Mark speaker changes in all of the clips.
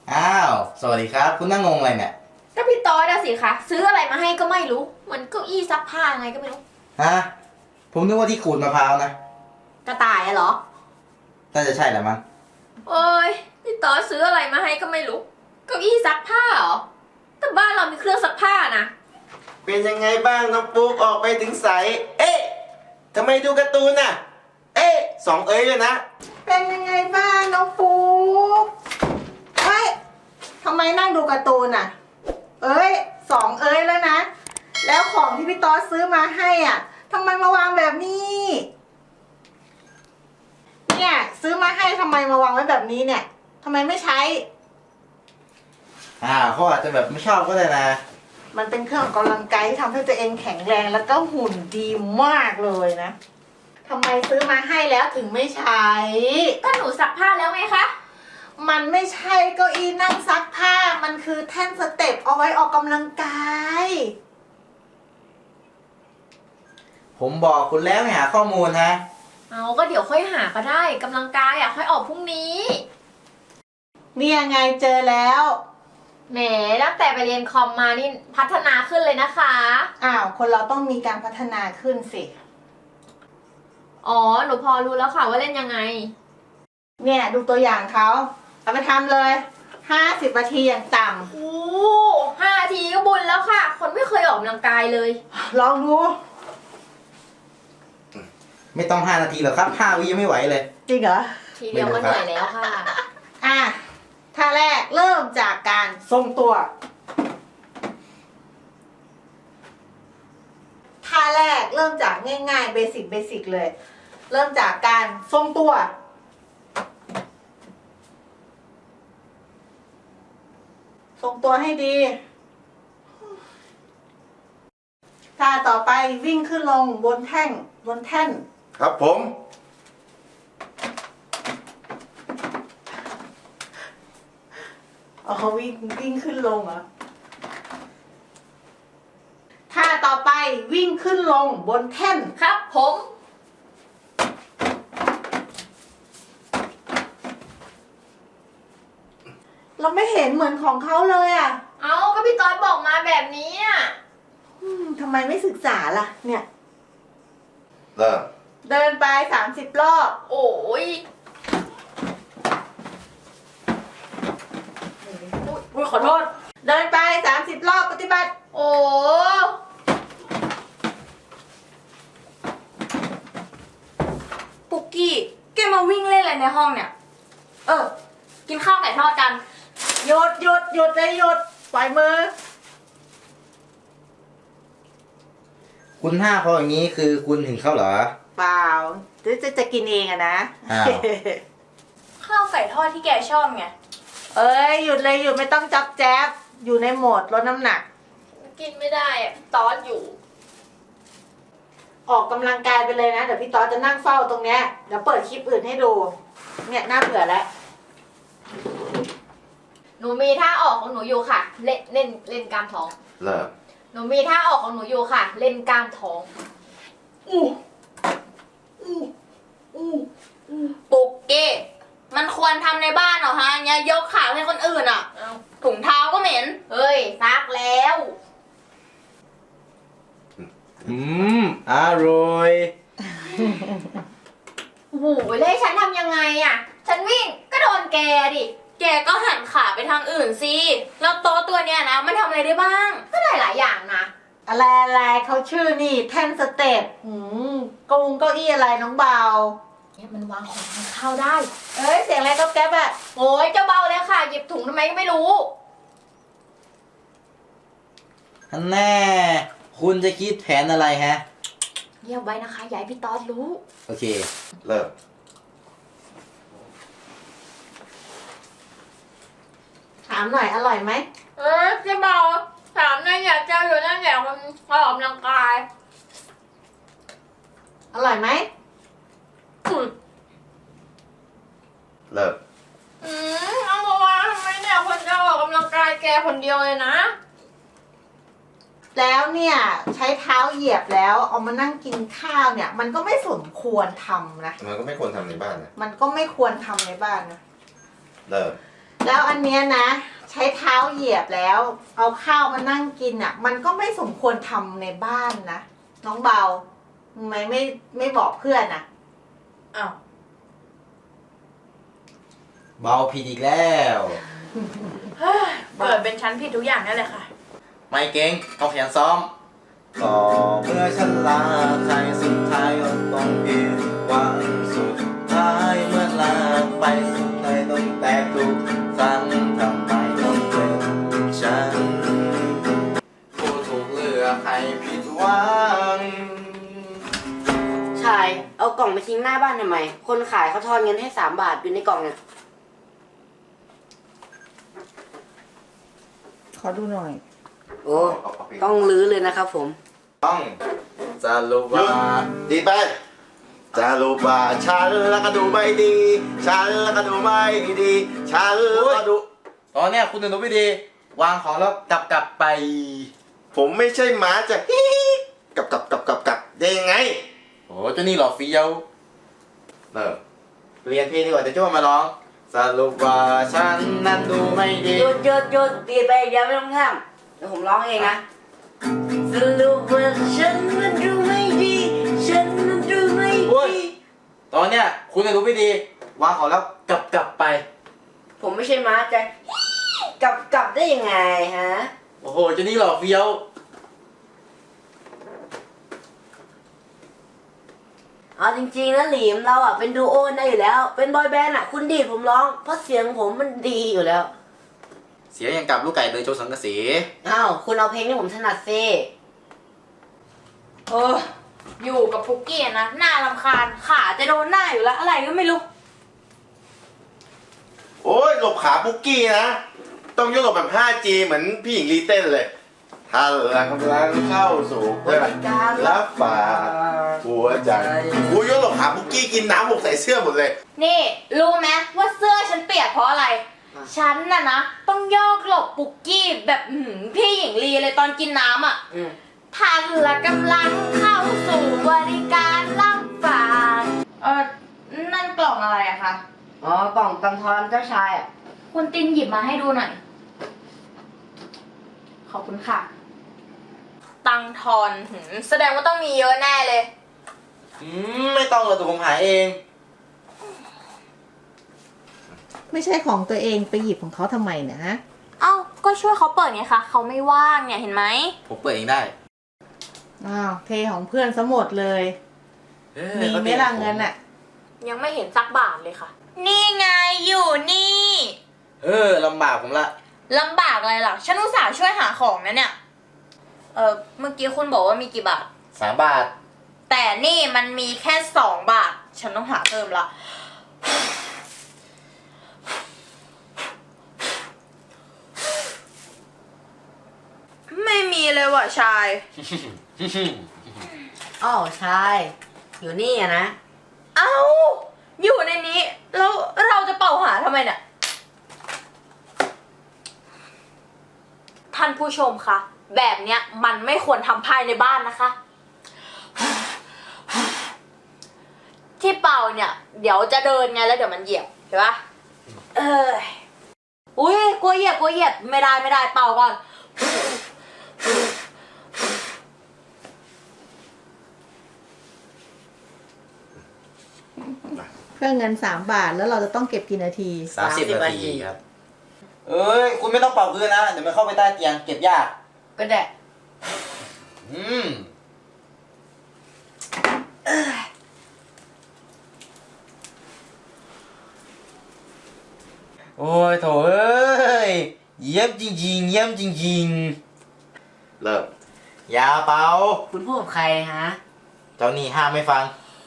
Speaker 1: อ้าวสวัสดีครับคุณนั่งงงอะไรเนี่ย
Speaker 2: ก็พี่ต๊อดอะสิคะซื้ออะไรมาให้ก็ไม่รู้เหมือนเก้าอี้ซักผ้าไงก็ไม่รู้
Speaker 1: ฮะผมนึกว่าที่ขูดมะพร้าวนะ
Speaker 2: กระต่ายอะเหรอ
Speaker 1: น่าจะใช่แหละมั้ง
Speaker 2: โอ้ยพี่ต๊อดซื้ออะไรมาให้ก็ไม่รู้เก้าอี้ซักผ้าเหรอแต่บ้านเรามีเครื่องซักผ้านะ
Speaker 3: เป็นยังไงบ้างน้องปุ๊กออกไปถึงใสเอ๊ะทำไมดูการ์ตูนน่ะ เอ๊ะสองเอ้ยเลยนะ
Speaker 4: เป็นยังไงบ้างน้องปุ๊กเฮ้ยทำไมนั่งดูการ์ตูนอ่ะ เอ้ยสองเอ้ยแล้วนะ แล้วของที่พี่ต๊อดซื้อมาให้อ่ะทำไมมาวางแบบนี้ เนี่ยซื้อมาให้ทำไมมาวางไว้แบบนี้เนี่ยทำไมไม่ใช้
Speaker 1: เขาอาจจะแบบไม่ชอบก็ได้นะ
Speaker 4: มันเป็นเครื่องออกกำลังกายที่ทำให้ตัวเองแข็งแรงแล้วก็หุ่นดีมากเลยนะทำไมซื้อมาให้แล้วถึงไม่ใช้
Speaker 2: ก็หนูซักผ้าแล้วไงคะ
Speaker 4: มันไม่ใช่เก้าอี้นั่งซักผ้า มันคือแท่นสเต็ปเอาไว้ออกกำลังกาย
Speaker 1: ผมบอกคุณแล้วให้หาข้อมูลนะ
Speaker 2: เอาก็เดี๋ยวค่อยหาก็ได้กำลังกายอะค่อยออกพรุ่งนี้
Speaker 4: นี่ยังไงเจอแล้ว
Speaker 2: แหมตั้งแต่ไปเรียนคอมมานี่พัฒนาขึ้นเลยนะคะ
Speaker 4: อ้าวคนเราต้องมีการพัฒนาขึ้นสิ
Speaker 2: อ๋อหนูพอรู้แล้วค่ะว่าเล่นยังไง
Speaker 4: เนี่ยดูตัวอย่างเขาเอาไปทำเลย50 นาทีอย่างต่
Speaker 2: โอ้5 นาทีก็บุญแล้วค่ะ คนไม่เคยออกกำลังกายเลย
Speaker 4: ำลองดู
Speaker 1: ไม่ต้อง5 นาทีหรอกครับ5 วิยังไม่ไหวเลย
Speaker 4: จริงเหรอ
Speaker 2: ทีเดียวก็เหนื่อยแล้วค่ะ
Speaker 4: อ่ะท่าแรกเริ่มจากการทรงตัวท่าแรกเริ่มจากง่ายๆเบสิกเลย เริ่มจากการทรงตัวทรงตัวให้ดีท่าต่อไปวิ่งขึ้นลงบนแท่น
Speaker 3: ครับผม
Speaker 4: อ๋อวิ่งขึ้นลงเหรอท่าต่อไปวิ่งขึ้นลงบนแท่น
Speaker 2: ครับผม
Speaker 4: เราไม่เห็นเหมือนของเขาเลยอ่ะ
Speaker 2: เอาก็พี่ต้อยบอกมาแบบนี้อ่ะ
Speaker 4: ทำไมไม่ศึกษาล่ะ เนี่ย
Speaker 3: เริ่ม
Speaker 4: เดินไป30 รอบ
Speaker 2: โอ้ยอุ้ยขอโทษ
Speaker 4: เดินไป30 รอบปฏิบัติ
Speaker 2: โอ้ ปุกกี้แกมาวิ่งเล่นอะไรในห้องเนี่ย กินข้าวไก่ทอดกัน
Speaker 4: หยุดเลยหยุดปล่อยมือ
Speaker 1: คุณห้าเขาอย่างนี้คือคุณถึงเขาเหรอ
Speaker 4: เปล่าจะกินเองอะนะ
Speaker 1: อ้าว
Speaker 2: ข้าวไก่ทอดที่แกชอบไง
Speaker 4: เอ้ยหยุดเลยหยุดไม่ต้องจับแจ๊บอยู่ในโหมดลดน้ำหนัก
Speaker 2: กินไม่ได้อะตอนอยู่
Speaker 4: ออกกำลังกายไปเลยนะ เดี๋ยวพี่ต๊อดจะนั่งเฝ้าตรงเนี้ยเดี๋ยวเปิดคลิปอื่นให้ดู เนี่ยน่าเบื่อแล้ว
Speaker 2: หนูมีท่าออกของหนูอยู่ค่ะ เล่นกล้ามท้อง
Speaker 3: เริ่ม
Speaker 2: หนูมีท่าออกของหนูอยู่ค่ะ เล่นกล้ามท้อง
Speaker 5: ปุกเก้มันควรทำในบ้านเหรอฮะเนี่ยยกขาให้คนอื่นอ่ะ
Speaker 2: เอ้า
Speaker 5: ถุงเท้าก็เหม็น
Speaker 2: เฮ้ยซักแล้ว
Speaker 1: อร่อย
Speaker 2: โอ้โหแล้วให้ฉันทำยังไงอ่ะ ฉันวิ่งก็โดนแกดิ
Speaker 5: แกก็หันขาไปทางอื่นสิ แล้วโต๊ะตัวเนี้ยนะมันทำอะไรได้บ้าง
Speaker 2: ก็ได้หลายอย่างนะ
Speaker 4: อะไรเขาชื่อนี่แท่นสเต็ปเก้าอี้อะไรน้องเบา
Speaker 2: เนี่ยมันวางของทานข้าวได้
Speaker 4: เอ้ยเสียงอะไรก็แก๊บอะ
Speaker 2: โอ้ยเจ้าเบาเลยค่ะ หยิบถุงทำไมก็ไม่รู้
Speaker 1: อันแน่ คุณจะคิดแผนอะไรฮะ
Speaker 2: เงียบไว้นะคะอย่าให้พี่ต๊อดรู้
Speaker 1: โอเค
Speaker 3: เริ่ม
Speaker 4: ถามหน่อยอร่อยไหม
Speaker 2: เจ้าเบาถามนั่นอยากเจ้าอยู่นั่นอยากมันออกกำลังกาย
Speaker 4: อร่อยไหม
Speaker 3: เริ่ม
Speaker 2: เอามาวางทำไมเนี่ยคนจะออกกำลังกายแกคนเดียวเลยนะ
Speaker 4: แล้วเนี่ยใช้เท้าเหยียบแล้วเอามานั่งกินข้าวเนี่ย มันก็ไม่สมควรทำนะ
Speaker 3: มันก็ไม่ควรทำในบ้านนะ
Speaker 4: มันก็ไม่ควรทำในบ้านนะ
Speaker 3: เริ่ม
Speaker 4: แล้วอันเนี้ยนะ ใช้เท้าเหยียบแล้ว เอาข้าวมานั่งกินอ่ะ มันก็ไม่สมควรทำในบ้านนะ น้องเบาทำไมไม่บอกเพื่อนอ่ะ
Speaker 5: อ้าว
Speaker 1: เบาผิดอีกแล้ว
Speaker 5: เกิดเป็นชั้นผิดทุกอย่างนั่นแหละค่ะ
Speaker 1: ไม่เก่งต้องขยันซ้อมก็เมื่อฉันลาใครสุดท้ายก็ต้องผิดหวังสุดท้ายเมื่อลาไปสุดท้ายต้องแตกทุกครั้งทำไมต้องเป็นฉันผู้ถูกเลือกให้ผิดหวัง
Speaker 6: ชาย เอากล่องไปทิ้งหน้าบ้านทำไม คนขายเขาทอนเงินให้3 บาทอยู่ในกล่องเนี่ย
Speaker 4: ขอดูหน่อย
Speaker 6: โอ้ ต้องรื้อเลยนะครับผม
Speaker 1: ต้องจะรู้
Speaker 3: หยุ
Speaker 1: ว่า
Speaker 3: ดดีไปจะรู้ว่าฉันแล้วก็ดูไม่ดี ฉันแล้วก็ดูไม่ดี ฉันแล้วก็ดู
Speaker 1: ตอนเนี้ยคุณหนูไม่ดี วางของแล้วกลับไป
Speaker 3: ผมไม่ใช่หมาจะฮิกลับได้ยังไง
Speaker 1: โอ้เจ้านี่หล่อเฟี้ยวเริ่มเรียนเพลงดีกว่าจะช่วยมาร้องสรุปว่าฉันนั้นดูไม่ดี
Speaker 6: หยุดตีไปเดี๋ยวไม่ต้องห้ามเดี๋ยวผมร้องเองนะสรุปว่าฉันมันดูไม่ดี ฉันมันดูไม่
Speaker 1: โอ้ย
Speaker 6: ดี
Speaker 1: ตอนเนี้ยคุณหนูไม่ดี วางของแล้วกลับไป
Speaker 6: ผมไม่ใช่ม้าจะกลับได้ยังไงฮะ
Speaker 1: โอ้โหเจ้านี่หล่อเฟี้ยว
Speaker 6: เอาจริงๆนะหลิมเราอ่ะเป็นดูโอได้อยู่แล้ว เป็นบอยแบนด์อ่ะคุณดีดผมร้อง เพราะเสียงผมมันดีอยู่แล้ว
Speaker 1: เสียอย่างกับลูกไก่เลยโชว์สังกะสี
Speaker 6: อ้าวคุณเอาเพลงที่ผมถนัดซิ
Speaker 5: อยู่กับปุกกี้อะนะหน้ารำคาญขาจะโดนหน้าอยู่แล้ว อะไรก็ไม่รู้
Speaker 3: โอ้ยหลบขาปุ๊กกี้นะ ต้องยกหลบแบบ 5G เหมือนพี่หญิงลีเต้นเลยถ้าเรากำลังเข้าสู่การรับฝากหัวใจกูยกหลบขาปุ๊กกี้กินน้ำหกใส่เสื้อหมดเลย
Speaker 5: นี่รู้ไหมว่าเสื้อฉันเปียกเพราะอะไร ฉันน่ะนะต้องโยกหลบปุกกี้แบบพี่หญิงลีเลยตอนกินน้ำอ่ะ ท่านละกำลังเข้าสู่บริการรับฝากนั่นกล่องอะไรอะคะ
Speaker 6: อ๋อกล่องตังทอนเจ้าชายอ่ะ
Speaker 5: คุณตินหยิบมาให้ดูหน่อย ขอบคุณค่ะ ตังทอนแสดงว่าต้องมีเยอะแน่เลย
Speaker 1: ไม่ต้องเลยตัวผมหาเอง
Speaker 4: ไม่ใช่ของตัวเองไปหยิบของเขาทำไมเนี่ยฮะ
Speaker 5: เอ้า ก็ช่วยเขาเปิดไงคะ เขาไม่ว่างเนี่ยเห็นไหม
Speaker 1: ผมเปิดเองได้
Speaker 4: อ้าวเทของเพื่อนซะหมดเลย มีไหม่ละเงินอ่ะ
Speaker 5: ยังไม่เห็นสักบาทเลยค่ะ นี่ไงอยู่นี่
Speaker 1: ลำบากผมละ
Speaker 5: ลำบากอะไรล่ะ ฉันอุตส่าห์ช่วยหาของนะเนี่ย เมื่อกี้คุณบอกว่ามีกี่บาท
Speaker 1: 3 บาท
Speaker 5: แต่นี่มันมีแค่2 บาท ฉันต้องหาเพิ่มละ ไม่มีเลยว่ะชาย
Speaker 6: อ้าวชาย อยู่นี่อะนะ
Speaker 5: เอ้า อยู่ในนี้ แล้วเราจะเป่าหาทำไมเนี่ย ท่านผู้ชมคะ แบบเนี้ยมันไม่ควรทำภายในบ้านนะคะ ที่เป่าเนี่ย เดี๋ยวจะเดินไงแล้วเดี๋ยวมันเหยียบเห็นปะอุ้ยกลัวเหยียบไม่ได้เป่าก่อน
Speaker 4: เพื่อเงิน3 บาทแล้วเราจะต้องเก็บกี่นาที
Speaker 1: 30 นาทีครับ เอ้ย คุณไม่ต้องเป่าพื้นนะ เดี๋ยวมันเข้าไปใต้เตียงเก็บยาก
Speaker 6: ก็ได้
Speaker 1: โอ้ยโถเอ้ย เยี่ยมจริงๆ เยี่ยมจริง
Speaker 3: เริ่ม
Speaker 1: ๆ อย่าเป่า
Speaker 6: คุณพูดกับใครฮะ
Speaker 1: เจ้านี่ห้ามไม่ฟัง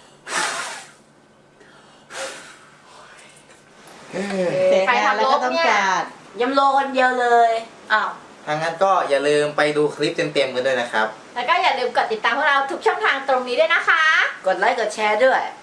Speaker 4: เสร็จงานแล้วก็ต้องจัด
Speaker 6: ยำโลคนเดียวเลย
Speaker 5: อ้าว
Speaker 1: ทางนั้นก็อย่าลืมไปดูคลิปเต็มๆกันด้วยนะครับ
Speaker 2: แล้วก็อย่าลืมกดติดตามพวกเราทุกช่องทางตรงนี้ด้วยนะคะ
Speaker 6: กดไลค์กดแชร์ด้วย